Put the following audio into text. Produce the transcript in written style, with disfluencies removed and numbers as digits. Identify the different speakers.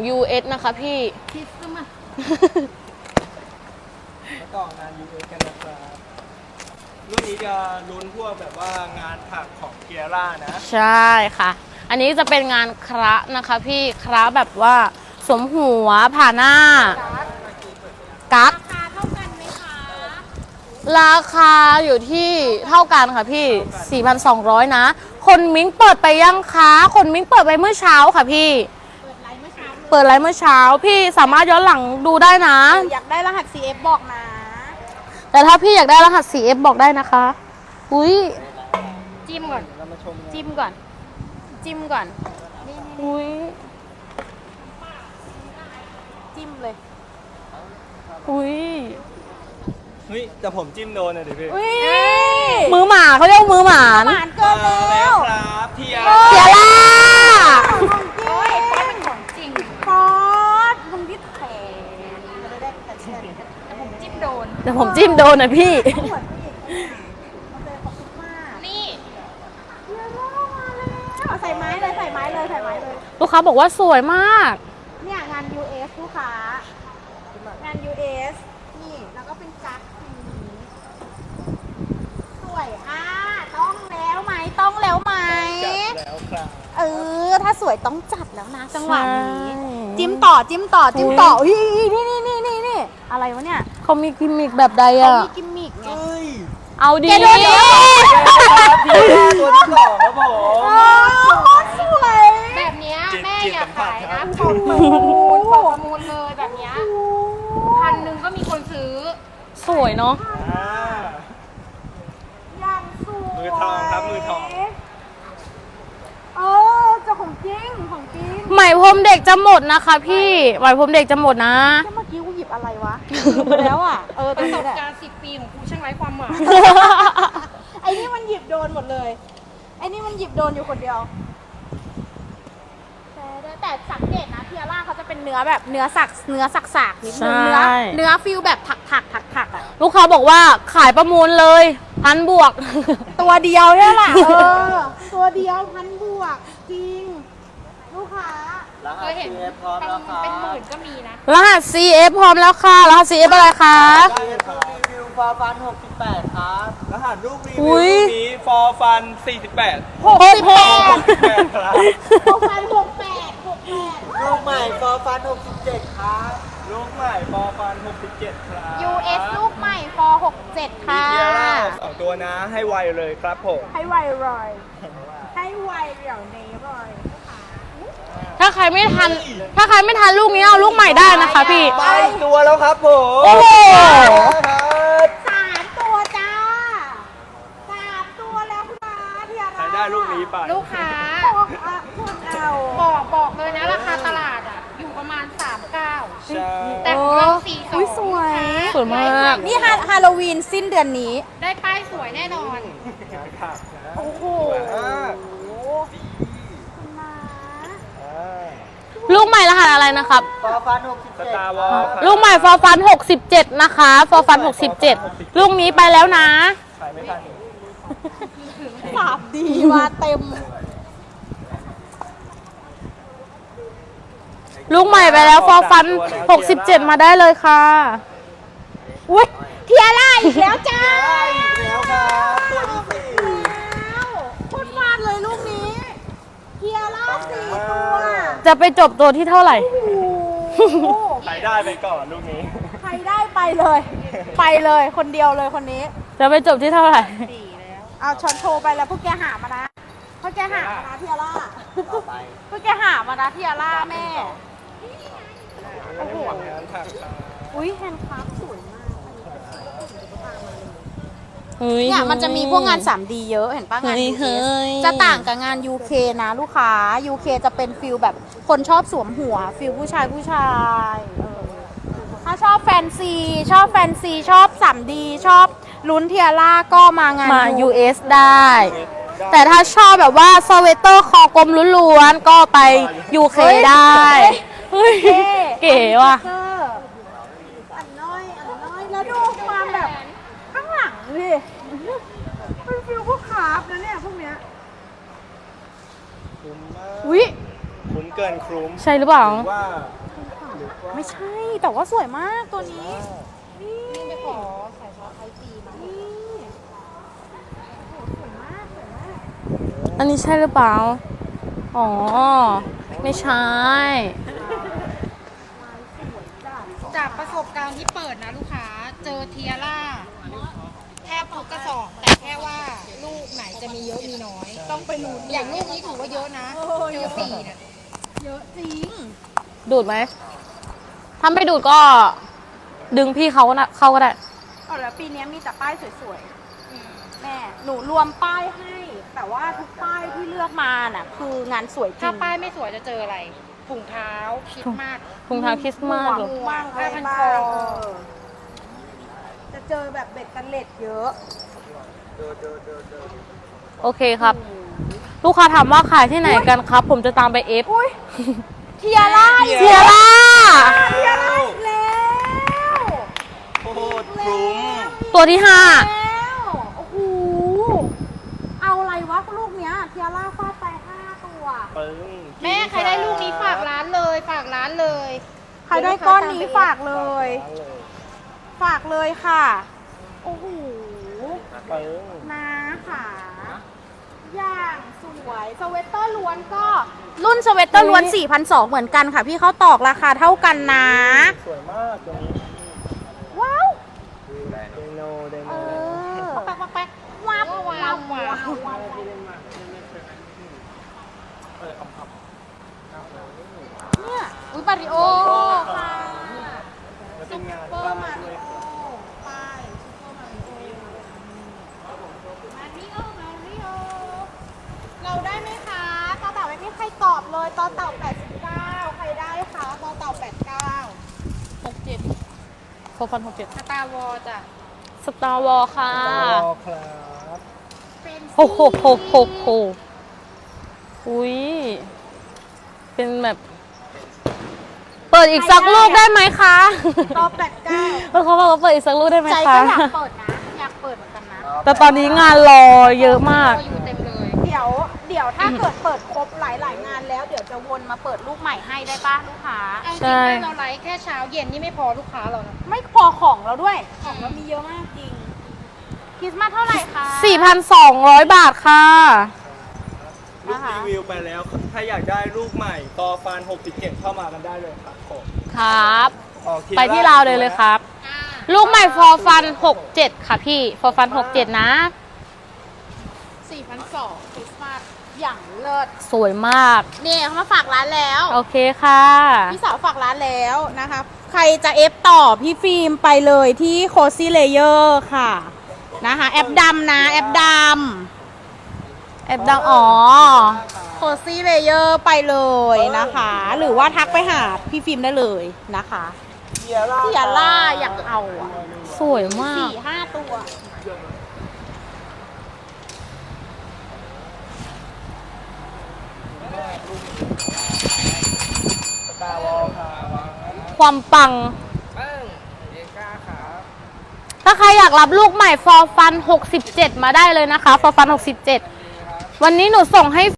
Speaker 1: US นะคะพี่
Speaker 2: คิดซะมา
Speaker 3: มาต่องาน US กันนะครับรุ่นนี้จะลุ้นพวกแบบว่างานถักของเกียร่านะ
Speaker 1: ใช่ค่ะอันนี้จะเป็นงานคระนะคะพี่คระแบบว่าสวมหัวผ่าหน้ากั๊ก
Speaker 2: ราคาเท่ากันไหมคะ
Speaker 1: ราคาอยู่ที่เท่ากันค่ะพี่ 4,200 นะคนมิ้งเปิดไปยังคะคนมิ้งเปิดไปเมื่อเช้าค่ะพี่เปิดไลฟ์เมื่อเช้าพี่สามารถย้อนหลังดูได้นะ
Speaker 2: อยากได้รหัส CF บอกนะ
Speaker 1: แต่ถ้าพี่อยากได้รหัส CF บอกได้นะคะอุ้ย
Speaker 2: จิ้มก่อนจิ้มก่อนจิ้มก่อน
Speaker 1: อุ้ย
Speaker 2: จิ้มเลย
Speaker 1: อุ้ย
Speaker 3: เฮ้ยแต่ผมจิ้มโดนเลยดิพี่
Speaker 1: มือหมาเขาเรียกมือหมา
Speaker 2: หมานเกินแล้ว
Speaker 3: ครับเทีย
Speaker 1: ร่า
Speaker 2: โอ้ยเป็นของจริงฟอสมึงที่แขนแต่ผมจิ้มโดน
Speaker 1: แต่ผมจิ้มโดนนะพี่
Speaker 2: นี่ใส่ไม้เลยใส่ไม้เลยใส่ไม้เลย
Speaker 1: ลูกค้าบอกว่าสวยมาก
Speaker 2: เนี่ยงาน US ลูกค้างาน US นี่แล้วก็เป็นกั๊กสวยต้องแล้วไหมต้องแล้วไหม
Speaker 3: แล้วครับ
Speaker 2: ถ้าสวยต้องจัดแล้วนะจังหวะนี้จิ้มต่อจิ้มต่อจิ้มต่อนี่อะไรวะเนี่ย
Speaker 1: เขามีกิมมิกแบบใด
Speaker 2: อ่ะ
Speaker 1: เขา
Speaker 2: มีกิมมิกไง
Speaker 1: เอาดี
Speaker 3: ตัวที่2ครับผม
Speaker 2: สวย
Speaker 4: แบบนี้แม่อยากขายนะเปิดประมูลเลยแบบนี้1,000ก็มีคนซื้อ
Speaker 1: สวยเนาะ
Speaker 2: อย่างสวย
Speaker 3: มือทองครับมือทอง
Speaker 2: จะของจริงของจริง
Speaker 1: ไหมพรมเด็กจะหมดนะคะพี่ไหมพรมเด็กจะหมดนะ
Speaker 2: เมื่อกี้กูหยิบอะไรวะแล้วอ่ะ
Speaker 4: ประสบการณ์10 ปีของกูช่างไร้ความหมาย
Speaker 2: ไอ้นี่มันหยิบโดนหมดเลยไอ้นี่มันหยิบโดนอยู่คนเดียวแต่สังเกตนะเทียร่าเขาจะเป็นเนื้อแบบเนื้อสักนิดนึงเนื้อฟิลแบบถักอ่ะ
Speaker 1: ลูกค้าบอกว่าขายประมูลเลย1,000 บวก
Speaker 2: ตัวเดียวเนี่ยแหละตัวเดียว1,000 บวกจริงลูกค้า
Speaker 4: เคยเห็นเป็นหมื่นก็มีนะ
Speaker 1: รหัส CF พร้อมแล้วค่ะรหัส CF อะไรคะ
Speaker 3: รีวิวฟอร์ฟัน68ครับรหัสลูกรีวิวนี้ฟอร์ฟัน48
Speaker 1: ครับ
Speaker 2: ฟอร์ฟัน68
Speaker 3: ลูกใหม่ฟอร์ฟัน67ครับลูกใหม่ฟอร์ฟัน67ครับ
Speaker 2: US ลูกใหม่ฟอร์67ค่ะ
Speaker 3: เทียร่า2ตัวนะให้ไวเลยครับผม
Speaker 2: ให้ไวเลยให้ไวเดี๋ยวนี้เลย
Speaker 1: ถ้าใครไม่ทันลูกนี้เอาลูกใหม่ได้นะคะพี่
Speaker 3: ไปตัวแล้วครับผม
Speaker 1: โอ้โห
Speaker 2: 3 ตัวจ้า3 ตัวแล้วค่ะเทียร่า
Speaker 3: ได้ลูกนี้ไป
Speaker 4: ลูกค้าบอกเลยนะราคาตลาดอยู่ประมาณ39แต่ของเรา42
Speaker 2: สวย
Speaker 1: มาก
Speaker 2: นี่ฮาโลวีนสิ้นเดือนนี้
Speaker 4: ได้ป้ายสวยแน่นอน
Speaker 2: โอ้โห
Speaker 1: ลูกใหม่รหัสอะไรนะครับ
Speaker 3: ฟอร์ฟัน67
Speaker 1: ลูกใหม่ฟอร์ฟัน67นะคะฟอร์ฟัน67ลูกนี้ไปแล้วนะ
Speaker 3: ขายไม่ทัน
Speaker 2: สาบดีมาเต็ม
Speaker 1: ลูกใหม่ไปแล้วฟอร์ฟัน67มาได้เลยค่ะ
Speaker 2: อุ้ยเทียร่าอีกแล้วจ้า
Speaker 3: แล้วครับตัวที่
Speaker 2: 4โคตรฟาดเลยลูกนี้เทียร่า4 ตัว
Speaker 1: จะไปจบตัวที่เท่าไหร่
Speaker 3: ใครได้ไปก่อนลูกนี้
Speaker 2: ใครได้ไปเลยคนเดียวเลยคนนี้
Speaker 1: จะไปจบที่เท่าไหร่
Speaker 2: เอาช้อนโชว์ไปแล้วพวกแกหามานะพวกแกหามานะเทียร่าพวกแกหามานะเทียร่าแม่โอ้โหอุ้ยแฮนด์คราฟต์สวยมากเนี่ยมันจะมีพวกงาน 3D เยอะเห็นป่ะงาน UK จะต่างกับงาน UK นะลูกค้า UK จะเป็นฟิลแบบคนชอบสวมหัวฟิลผู้ชายถ้าชอบแฟนซีชอบ 3D ชอบลุ้นเทียร่าก็มางาน
Speaker 1: US ได้แต่ถ้าชอบแบบว่าสเวตเตอร์คอกลมล้วนๆก็ไป UK ได้เก๋ว่ะ
Speaker 2: อันน้อยแล้วดูความแบบข้างหลังดิเป็นฟิลพวกคราฟนะเนี่ยพวกเนี้ย
Speaker 3: คุ้มมาก
Speaker 1: อุ้ย
Speaker 3: คุ้มเกินคุ้ม
Speaker 1: ใช่หรือเปล่า
Speaker 3: ว่า
Speaker 2: ไม่ใช่ แต่ว่าสวยมากตัวนี้ นี่
Speaker 4: ไปขอใส่ซอสไทยจีมา
Speaker 2: นี่สวยมากสวยมาก
Speaker 1: อันนี้ใช่หรือเปล่า อ๋อ ไม่ใช่
Speaker 4: จากประสบการณ์ที่เปิดนะลูกค้า เจอเทียร่าแทบทุกกระสอบ แต่แค่ว่าลูกไหนจะมีเยอะมีน้อย ต้องไปลุ้นอย่างลูกนี้ถือว่าเยอะนะ เจอสี่เนี่ย
Speaker 2: เยอะจริง
Speaker 1: ดูดไหม ถ้าไม่ดูดก็ดึงพี่เขานะเข้าก็ได้
Speaker 2: เอาแล้วปีนี้มีแต่ป้ายสวยๆ แม่ หนูรวมป้ายให้ แต่ว่าทุกป้ายที่เลือกมาน่ะ คืองานสวยจริ
Speaker 4: ถ้าง ป้ายไม่สวยจะเจออะไร ถุงเท้าคิดมาก
Speaker 1: ถุงเท้าคริสต์มาสเหรอ
Speaker 2: มาก
Speaker 4: ผ้าพันคอ
Speaker 2: จะเจอแบบเบ็ดกันเล็ดเยอะ
Speaker 1: โอเคครับ ลูกค้าถามว่าขายที่ไหนกันครับ ผมจะตามไปเอฟ
Speaker 2: เทียร่า
Speaker 1: เทียร่า
Speaker 2: เทียร่าอีกแล้ว
Speaker 3: โคตรคุ้ม
Speaker 1: ตัวที่
Speaker 2: แล้วโอ้โห เอาอะไรวะลูกเนี้ย เทียร่าฟาดไป5 ตัว
Speaker 3: ปึ้ง
Speaker 4: แม่ใครได้ลูกนี้ฝากร้านเลย ฝากร้านเลย
Speaker 2: ใครได้ก้อนนี้ฝากเลย ฝากเลยค่ะ โอ้โห
Speaker 3: ปึ้ง
Speaker 2: นะค่ะ อย่างสวย สเวตเตอร์ล้วนก็ รุ่นสเวตเตอร์ล้วน 4,200 เหมือนกันค่ะ พี่เขาตอกราคาเท่ากันนะ
Speaker 3: สวยมากตัวนี้
Speaker 2: ว้าว
Speaker 3: ไดโน
Speaker 2: เออ
Speaker 4: ปักปักปัก
Speaker 2: ว้าว
Speaker 4: ว้าวว้าว
Speaker 2: ว้าว เนี่ย
Speaker 4: อุ้ยปาริโอ
Speaker 2: ค่ะ
Speaker 3: แล้วเป็นงาน
Speaker 2: เปอ
Speaker 3: บ้า
Speaker 2: ร์
Speaker 3: น
Speaker 2: มา
Speaker 3: ด้
Speaker 2: ริ
Speaker 3: วย
Speaker 2: โอไปซุปเปอร์มาริโอมาริโอมาริโอเราได้ไหมคะต่อเต่าไม่มีใครตอบเลยต่อเต่า89ใครได้คะต่อเต่า89
Speaker 1: 5โฟฟัน67
Speaker 4: สตาร์วอลจ้ะ
Speaker 1: สตาร์วอลค่ะ
Speaker 3: รอครับ
Speaker 2: เป็น
Speaker 1: โอ้โหโหโหโหอุ้ย เป็นแบบ เปิดอีกสักลูกได้ไหมคะ
Speaker 2: ต่อ89
Speaker 1: เขาบอกว่าเปิดอีกสักลูกได้ไหม
Speaker 2: ใจ
Speaker 1: คะ
Speaker 2: ก็อยากเปิดนะ อยากเปิดเหมือนกันนะ
Speaker 1: แต่ตอนนี้งานรอเยอะมาก
Speaker 4: อยู่เต็มเลย
Speaker 2: เดี๋ยวถ้าเกิดเปิดครบหลายงานแล้ว เดี๋ยวจะวนมาเปิดลูกใหม่ให้ได้ป่ะลูกค้า
Speaker 4: เอาจ
Speaker 1: ใช่
Speaker 4: ริงๆเราไลฟ์แค่เช้าเย็นนี่ไม่พอลูกค้าเรานะ
Speaker 2: ไม่พอของเราด้วย ของเรามีเยอะมากจริง คริสต์มาสเท่าไหร่คะ
Speaker 1: 4,200 บาทค่ะ
Speaker 3: ลูกรีวิวไปแล้ว ถ้าอยากได้ลูกใหม่ต่อฟัน67เข้ามากันได้เลยครับผม
Speaker 1: ครับ
Speaker 3: ออก
Speaker 1: ไปที่ลาวเลยครับ ลูกใหม่ฟอร์ฟัน 67 ค่ะพี่ ฟอร์ฟัน 67 นะ
Speaker 2: 4,200คริสต์มาสอย่างเลิศ
Speaker 1: สวยมาก
Speaker 2: นี่เขามาฝากร้านแล้ว
Speaker 1: โอเคค่ะ
Speaker 2: พี่สาวฝากร้านแล้วนะคะ ใครจะเอฟต่อพี่ฟิล์มไปเลยที่โคซี่เลเยอร์ค่ะนะคะ แอปดำนะแอปด
Speaker 1: แอบดังอ๋อ
Speaker 2: ำโคซี่เลเยอร์ไปเลยนะคะ หรือว่าทักไปหาพี่ฟิล์มได้เลยนะคะ
Speaker 3: เทียร่า
Speaker 2: เทียร่าอยากเอาอะ
Speaker 1: สวยมาก
Speaker 2: 4-5 ตัว
Speaker 3: สตาร์วอลครับ
Speaker 1: ความปัง
Speaker 3: ปึ้งเอก้าครับ
Speaker 1: ถ้าใครอยากรับลูกใหม่ฟอร์ฟัน 67 มาได้เลยนะคะ ฟอร์ฟัน 67 วันนี้หนูส่งให้